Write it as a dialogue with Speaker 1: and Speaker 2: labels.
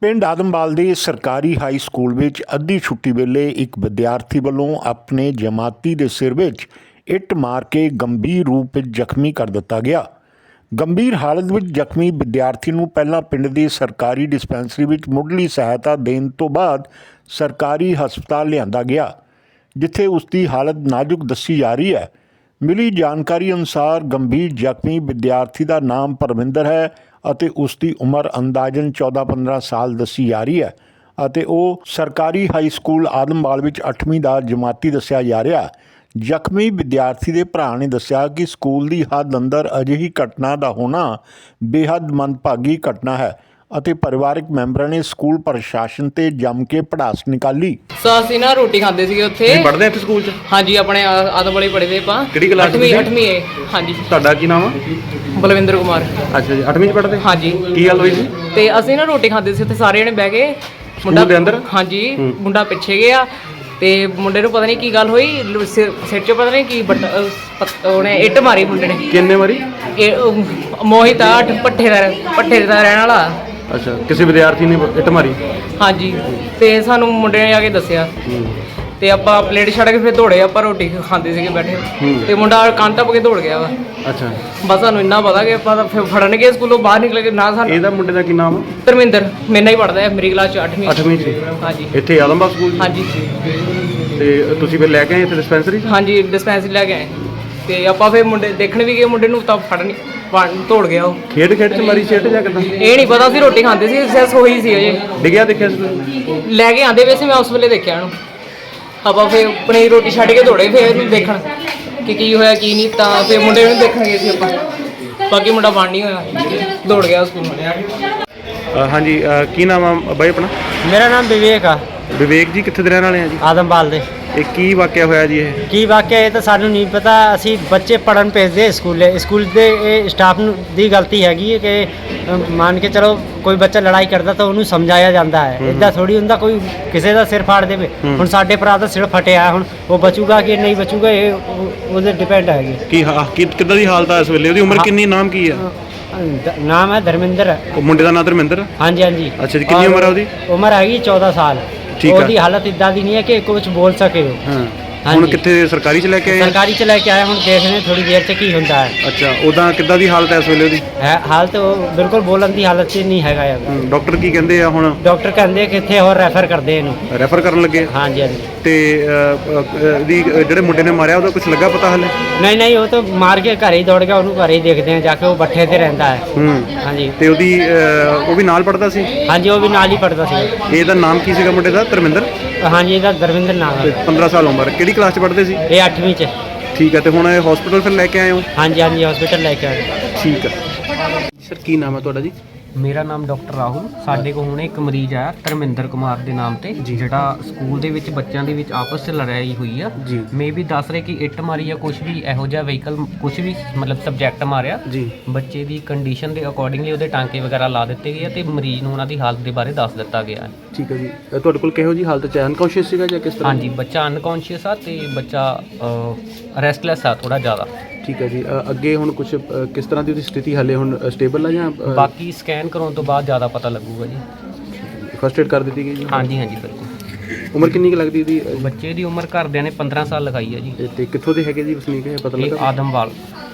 Speaker 1: ਪਿੰਡ ਆਦਮਵਾਲ ਦੇ ਸਰਕਾਰੀ ਹਾਈ ਸਕੂਲ ਵਿੱਚ ਅੱਧੀ ਛੁੱਟੀ ਵੇਲੇ ਇੱਕ ਵਿਦਿਆਰਥੀ ਵੱਲੋਂ ਆਪਣੇ ਜਮਾਤੀ ਦੇ ਸਿਰ ਵਿੱਚ ਇੱਟ ਮਾਰ ਕੇ ਗੰਭੀਰ ਰੂਪ ਵਿੱਚ ਜ਼ਖਮੀ ਕਰ ਦਿੱਤਾ ਗਿਆ। ਗੰਭੀਰ ਹਾਲਤ ਵਿੱਚ ਜ਼ਖਮੀ ਵਿਦਿਆਰਥੀ ਨੂੰ ਪਹਿਲਾਂ ਪਿੰਡ ਦੀ ਸਰਕਾਰੀ ਡਿਸਪੈਂਸਰੀ ਵਿੱਚ ਮੁੱਢਲੀ ਸਹਾਇਤਾ ਦੇਣ ਤੋਂ ਬਾਅਦ ਸਰਕਾਰੀ ਹਸਪਤਾਲ ਲਿਆਂਦਾ ਗਿਆ, ਜਿੱਥੇ ਉਸ ਦੀ ਹਾਲਤ ਨਾਜ਼ੁਕ ਦੱਸੀ ਜਾ ਰਹੀ ਹੈ। ਮਿਲੀ ਜਾਣਕਾਰੀ ਅਨੁਸਾਰ ਗੰਭੀਰ ਜ਼ਖਮੀ ਵਿਦਿਆਰਥੀ ਦਾ ਨਾਮ ਪਰਵਿੰਦਰ ਹੈ ਅਤੇ ਉਸ ਦੀ ਉਮਰ ਅੰਦਾਜ਼ਨ 14-15 ਸਾਲ ਦੱਸੀ ਜਾ ਰਹੀ ਹੈ ਅਤੇ ਉਹ ਸਰਕਾਰੀ ਹਾਈ ਸਕੂਲ ਆਦਮਵਾਲ ਵਿੱਚ 8ਵੀਂ ਦਾ ਜਮਾਤੀ ਦੱਸਿਆ ਜਾ ਰਿਹਾ। ਜ਼ਖਮੀ ਵਿਦਿਆਰਥੀ ਦੇ ਭਰਾ ਨੇ ਦੱਸਿਆ ਕਿ ਸਕੂਲ ਦੀ ਹੱਦ ਅੰਦਰ ਅਜਿਹੀ ਘਟਨਾ ਦਾ ਹੋਣਾ ਬੇਹੱਦ ਮੰਦਭਾਗੀ ਘਟਨਾ ਹੈ ਅਤੇ ਪਰਿਵਾਰਕ ਮੈਂਬਰਾਂ ਨੇ ਸਕੂਲ ਪ੍ਰਸ਼ਾਸਨ ਤੇ ਜੰਮ ਕੇ ਪੜਾਸ ਨਿਕਾਲੀ।
Speaker 2: ਅਸੀਂ ਨਾ ਰੋਟੀ ਖਾਂਦੇ ਸੀਗੇ ਉੱਥੇ।
Speaker 3: ਪੜ੍ਹਦੇ ਇੱਥੇ ਸਕੂਲ 'ਚ?
Speaker 2: ਹਾਂਜੀ, ਆਪਣੇ ਆਦਮਵਾਲੇ ਪੜ੍ਹਦੇ ਆਪਾਂ।
Speaker 3: ਕਿਹੜੀ ਕਲਾਸ 'ਚ?
Speaker 2: 8ਵੀਂ ਏ। ਹਾਂਜੀ।
Speaker 3: ਤੁਹਾਡਾ ਕੀ ਨਾਮ ਆ?
Speaker 2: ਬਲਵਿੰਦਰ ਕੁਮਾਰ।
Speaker 3: ਅੱਛਾ ਜੀ, 8ਵੀਂ 'ਚ ਪੜ੍ਹਦੇ?
Speaker 2: ਹਾਂਜੀ।
Speaker 3: ਕੀ ਗੱਲ ਹੋਈ ਸੀ?
Speaker 2: ਤੇ ਅਸੀਂ ਨਾ ਰੋਟੀ ਖਾਂਦੇ ਸੀ ਉੱਥੇ ਸਾਰੇ ਜਣੇ ਬਹਿ ਕੇ।
Speaker 3: ਮੁੰਡਾ ਦੇ ਅੰਦਰ?
Speaker 2: ਹਾਂਜੀ, ਮੁੰਡਾ ਪਿੱਛੇ ਗਿਆ ਤੇ ਮੁੰਡੇ ਨੂੰ ਪਤਾ ਨਹੀਂ ਕੀ ਗੱਲ ਹੋਈ, ਸਿਰ 'ਚ ਪਤਾ ਨਹੀਂ ਕੀ ਉਹਨੇ ਇੱਟ ਮਾਰੀ ਮੁੰਡੇ ਨੇ।
Speaker 3: ਕਿੰਨੇ ਵਾਰੀ?
Speaker 2: ਮੋਹਿਤ ਆ, ਭੱਠੇ ਦਾ ਰਹਿਣ ਵਾਲਾ।
Speaker 3: ਅੱਛਾ, ਕਿਸੇ ਵਿਦਿਆਰਥੀ ਨੇ ਇੱਟ ਮਾਰੀ?
Speaker 2: ਹਾਂਜੀ, ਤੇ ਸਾਨੂੰ ਮੁੰਡੇ ਨੇ ਆ ਕੇ ਦੱਸਿਆ ਤੇ ਆਪਾਂ ਪਲੇਟ ਛੱਡ ਕੇ ਫਿਰ ਦੌੜੇ। ਆਪਾਂ ਰੋਟੀ ਖਾਂਦੇ ਸੀਗੇ ਬੈਠੇ ਤੇ ਮੁੰਡਾ ਕੰਨ ਟੱਪ ਕੇ ਦੌੜ ਗਿਆ ਵਾ।
Speaker 3: ਅੱਛਾ,
Speaker 2: ਬਸ ਸਾਨੂੰ ਇੰਨਾ ਪਤਾ ਕਿ ਆਪਾਂ ਤਾਂ ਫਿਰ ਫੜਨਗੇ ਸਕੂਲੋਂ ਬਾਹਰ ਨਿਕਲ ਕੇ। ਨਾ ਸਾਨੂੰ
Speaker 3: ਇਹਦਾ ਮੁੰਡੇ ਦਾ ਕੀ ਨਾਮ ਆ?
Speaker 2: ਧਰਮਿੰਦਰ, ਮੇਰੇ ਨਾਲ ਹੀ ਪੜ੍ਹਦਾ ਹੈ, ਮੇਰੀ ਕਲਾਸ 'ਚ 8ਵੀਂ
Speaker 3: 'ਚ।
Speaker 2: ਹਾਂਜੀ।
Speaker 3: ਇੱਥੇ ਆਦਮਵਾਲ ਸਕੂਲ 'ਚ?
Speaker 2: ਹਾਂਜੀ।
Speaker 3: ਤੇ ਤੁਸੀਂ ਫਿਰ ਲੈ ਕੇ ਆਏ ਇੱਥੇ ਡਿਸਪੈਂਸਰੀ 'ਚ?
Speaker 2: ਹਾਂਜੀ, ਡਿਸਪੈਂਸਰੀ ਲੈ ਕੇ ਆਏ ਤੇ ਆਪਾਂ ਫਿਰ ਮੁੰਡੇ ਦੇਖਣ ਵੀ ਗਏ। ਮੁੰਡੇ ਨੂੰ ਤਾਂ ਫੜਨ ਦੌੜ ਗਿਆ ਉਹ।
Speaker 3: ਖੇਡ 'ਚ ਮਾਰੀ ਸੀ ਇੱਟ ਜਾਂ ਕਿੱਦਾਂ?
Speaker 2: ਇਹ ਨਹੀਂ ਪਤਾ ਸੀ, ਰੋਟੀ ਖਾਂਦੇ ਸੀ, ਸੈਸ ਹੋਈ ਸੀ ਅਜੇ।
Speaker 3: ਡਿੱਗਿਆ ਦੇਖਿਆ ਸੀ?
Speaker 2: ਲੈ ਕੇ ਆਂਦੇ ਵੈਸੇ ਮੈਂ ਉਸ ਵੇਲੇ ਦੇਖਿਆ ਉਹਨੂੰ। ਆਪਾਂ ਫਿਰ ਆਪਣੀ ਰੋਟੀ ਛੱਡ ਕੇ ਦੌੜੇ ਫਿਰ ਇਹਨੂੰ ਦੇਖਣ ਕਿ ਕੀ ਹੋਇਆ ਕੀ ਨਹੀਂ। ਤਾਂ ਫਿਰ ਮੁੰਡੇ ਨੂੰ ਦੇਖਣ ਗਏ ਸੀ ਆਪਾਂ। ਬਾਕੀ ਮੁੰਡਾ ਬਣ ਨਹੀਂ ਹੋਇਆ, ਦੌੜ ਗਿਆ ਸਕੂਲ।
Speaker 3: ਹਾਂਜੀ, ਕੀ ਨਾਮ ਆ ਬਾਈ ਆਪਣਾ?
Speaker 4: ਮੇਰਾ ਨਾਮ ਵਿਵੇਕ ਆ।
Speaker 3: ਵਿਵੇਕ ਜੀ, ਕਿੱਥੇ ਦੇ ਰਹਿਣ ਵਾਲੇ ਆ ਜੀ?
Speaker 4: ਆਦਮਵਾਲ ਦੇ।
Speaker 3: ਇਹ ਕੀ ਵਾਕਿਆ ਹੋਇਆ ਜੀ? ਇਹ
Speaker 4: ਕੀ ਵਾਕਿਆ ਇਹ ਤਾਂ ਸਾਨੂੰ ਨਹੀਂ ਪਤਾ। ਅਸੀਂ ਬੱਚੇ ਪੜ੍ਹਨ ਭੇਜਦੇ ਸਕੂਲ ਦੇ ਇਹ ਸਟਾਫ ਨੂੰ ਦੀ ਗਲਤੀ ਹੈਗੀ ਹੈ ਕਿ ਮੰਨ ਕੇ ਚਲੋ ਕੋਈ ਬੱਚਾ ਲੜਾਈ ਕਰਦਾ ਤਾਂ ਉਹਨੂੰ ਸਮਝਾਇਆ ਜਾਂਦਾ ਹੈ। ਇੱਦਾਂ ਥੋੜੀ ਹੁੰਦਾ ਕੋਈ ਕਿਸੇ ਦਾ ਸਿਰ ਫਾੜ ਦੇਵੇ। ਹੁਣ ਸਾਡੇ ਭਰਾ ਦਾ ਸਿਰ ਫਟਿਆ, ਹੁਣ ਉਹ ਬਚੂਗਾ ਕਿ ਨਹੀਂ ਬਚੂਗਾ ਇਹ ਉਹਦੇ ਡਿਪੈਂਡ ਹੈਗੇ।
Speaker 3: ਕਿੱਦਾਂ ਦੀ ਹਾਲਤ ਆ ਇਸ ਵੇਲੇ? ਉਹਦੀ ਉਮਰ ਕਿੰਨੀ? ਨਾਮ ਕੀ ਆ?
Speaker 4: ਨਾਮ ਹੈ ਧਰਮਿੰਦਰ।
Speaker 3: ਮੁੰਡੇ ਦਾ ਨਾਮ ਧਰਮਿੰਦਰ?
Speaker 4: ਹਾਂਜੀ ਹਾਂਜੀ।
Speaker 3: ਅੱਛਾ ਜੀ, ਕਿੰਨੀ ਉਮਰ ਆ ਉਹਦੀ?
Speaker 4: ਉਮਰ ਹੈਗੀ 14 ਸਾਲ।
Speaker 3: ਠੀਕ ਆ।
Speaker 4: ਉਹਦੀ ਹਾਲਤ ਇੱਦਾਂ ਦੀ ਨਹੀਂ ਹੈ ਕਿ ਕੁਝ ਬੋਲ ਸਕੇ।
Speaker 3: ਹਾਂ। ਹੁਣ ਕਿੱਥੇ? ਸਰਕਾਰੀ 'ਚ ਲੈ ਕੇ ਆਏ?
Speaker 4: ਸਰਕਾਰੀ 'ਚ ਲੈ ਕੇ ਆਏ। ਹੁਣ ਦੇਖਦੇ ਥੋੜੀ ਦੇਰ 'ਚ ਕੀ ਹੁੰਦਾ ਹੈ।
Speaker 3: ਅੱਛਾ, ਉਦਾਂ ਕਿੱਦਾਂ ਦੀ ਹਾਲਤ ਹੈ ਇਸ ਵੇਲੇ ਉਹਦੀ?
Speaker 4: ਹਾਲਤ ਬਿਲਕੁਲ ਬੋਲਣ ਦੀ ਹਾਲਤ 'ਚ ਨਹੀਂ ਹੈਗਾ ਯਾਰ।
Speaker 3: ਡਾਕਟਰ ਕੀ ਕਹਿੰਦੇ ਆ ਹੁਣ?
Speaker 4: ਡਾਕਟਰ ਕਹਿੰਦੇ ਕਿ ਇੱਥੇ ਹੋਰ ਰੈਫਰ ਕਰਦੇ ਇਹਨੂੰ।
Speaker 3: ਰੈਫਰ ਕਰਨ ਲੱਗੇ? ਹਾਂਜੀ। ਤੇ ਇਹਦੀ ਜਿਹੜੇ ਮੁੰਡੇ ਨੇ ਮਾਰਿਆ ਉਹਦਾ ਕੁਝ ਲੱਗਾ ਪਤਾ ਹਾਲੇ?
Speaker 4: ਨਹੀਂ, ਉਹ ਤਾਂ ਮਾਰ ਕੇ ਘਰੇ ਹੀ ਦੌੜ ਗਿਆ। ਉਹਨੂੰ ਘਰੇ ਹੀ ਦੇਖਦੇ ਆ ਜਾ ਕੇ। ਉਹ ਬੱਠੇ ਤੇ ਰਹਿੰਦਾ ਹੈ। ਹਾਂਜੀ।
Speaker 3: ਤੇ ਉਹਦੀ ਉਹ ਵੀ ਨਾਲ ਪੜਦਾ ਸੀ?
Speaker 4: ਹਾਂਜੀ, ਉਹ ਵੀ ਨਾਲ ਹੀ ਪੜਦਾ ਸੀ।
Speaker 3: ਇਹਦਾ ਨਾਮ ਕੀ ਸੀਗਾ ਮੁੰਡੇ ਦਾ? ਧਰਮਿੰਦਰ?
Speaker 4: ਹਾਂਜੀ, ਇਹਦਾ ਧਰਮਿੰਦਰ ਨਾਮ ਹੈ।
Speaker 3: 15 ਸਾਲ ਉਮਰ। ਕਿਹੜੀ ਕਲਾਸ 'ਚ ਪੜ੍ਹਦੇ ਸੀ?
Speaker 4: ਇਹ 8ਵੀਂ 'ਚ।
Speaker 3: ਠੀਕ ਹੈ। ਤੇ ਹੁਣ ਇਹ ਹਸਪੀਟਲ ਫਿਰ ਲੈ ਕੇ ਆਏ ਹੋ?
Speaker 4: ਹਾਂਜੀ, ਹਸਪੀਟਲ ਲੈ ਕੇ ਆਏ।
Speaker 3: ਠੀਕ ਹੈ ਸਰ, ਕੀ ਨਾਮ ਹੈ ਤੁਹਾਡਾ ਜੀ?
Speaker 5: ਮੇਰਾ ਨਾਮ ਡਾਕਟਰ ਰਾਹੁਲ। ਸਾਡੇ ਕੋਲ ਹੁਣੇ ਇੱਕ ਮਰੀਜ਼ ਆਇਆ ਧਰਮਿੰਦਰ ਕੁਮਾਰ ਦੇ ਨਾਮ ਤੇ, ਜਿਹੜਾ ਸਕੂਲ ਦੇ ਵਿੱਚ ਬੱਚਿਆਂ ਦੇ ਵਿੱਚ ਆਪਸ 'ਚ ਲੜਾਈ ਹੋਈ ਆ। ਮੇ ਵੀ ਦੱਸ ਰਹੇ ਕਿ ਇੱਟ ਮਾਰੀ ਜਾਂ ਕੁਝ ਵੀ ਇਹੋ ਜਿਹਾ ਵਹੀਕਲ, ਕੁਝ ਵੀ ਮਤਲਬ ਸਬਜੈਕਟ ਮਾਰਿਆ ਜੀ। ਬੱਚੇ ਦੀ ਕੰਡੀਸ਼ਨ ਦੇ ਅਕੋਰਡਿੰਗਲੀ ਉਹਦੇ ਟਾਂਕੇ ਵਗੈਰਾ ਲਾ ਦਿੱਤੇ ਗਏ ਤੇ ਮਰੀਜ਼ ਨੂੰ ਉਹਨਾਂ ਦੀ ਹਾਲਤ ਦੇ ਬਾਰੇ ਦੱਸ ਦਿੱਤਾ ਗਿਆ।
Speaker 3: ਠੀਕ ਹੈ ਜੀ। ਤੁਹਾਡੇ ਕੋਲ ਕਿਹੋ ਜੀ ਹਾਲਤ 'ਚ? ਅਨਕੌਂਸ਼ੀਅਸ ਸੀਗਾ ਜਾਂ ਕਿਸ ਤਰ੍ਹਾਂ?
Speaker 5: ਹਾਂਜੀ, ਬੱਚਾ ਅਨਕੌਂਸ਼ੀਅਸ ਆ ਤੇ ਬੱਚਾ ਰੈਸਟਲੈਸ ਆ ਥੋੜਾ ਜ਼ਿਆਦਾ।
Speaker 3: ਠੀਕ ਹੈ ਜੀ। ਅੱਗੇ ਹੁਣ ਕੁਝ ਕਿਸ ਤਰ੍ਹਾਂ ਦੀ ਉਹਦੀ ਸਥਿਤੀ ਹਾਲੇ ਹੁਣ ਸਟੇਬਲ ਆ ਜਾਂ?
Speaker 5: ਬਾਕੀ ਸਕੈਨ ਕਰਾਉਣ ਤੋਂ ਬਾਅਦ ਜ਼ਿਆਦਾ ਪਤਾ ਲੱਗੂਗਾ ਜੀ।
Speaker 3: ਫਸਟ ਏਡ ਕਰ ਦਿੱਤੀ ਗਈ ਜੀ?
Speaker 5: ਹਾਂਜੀ ਬਿਲਕੁਲ।
Speaker 3: ਉਮਰ ਕਿੰਨੀ ਕੁ ਲੱਗਦੀ ਇਹਦੀ?
Speaker 5: ਬੱਚੇ ਦੀ ਉਮਰ ਘਰਦਿਆਂ ਨੇ 15 ਸਾਲ ਲਗਾਈ ਹੈ ਜੀ।
Speaker 3: ਤੇ ਕਿੱਥੋਂ ਦੇ ਹੈਗੇ ਜੀ ਵਸਨੀਕ? ਇਹ ਪਤਾ ਲੱਗਾ?
Speaker 5: ਆਦਮਵਾਲ।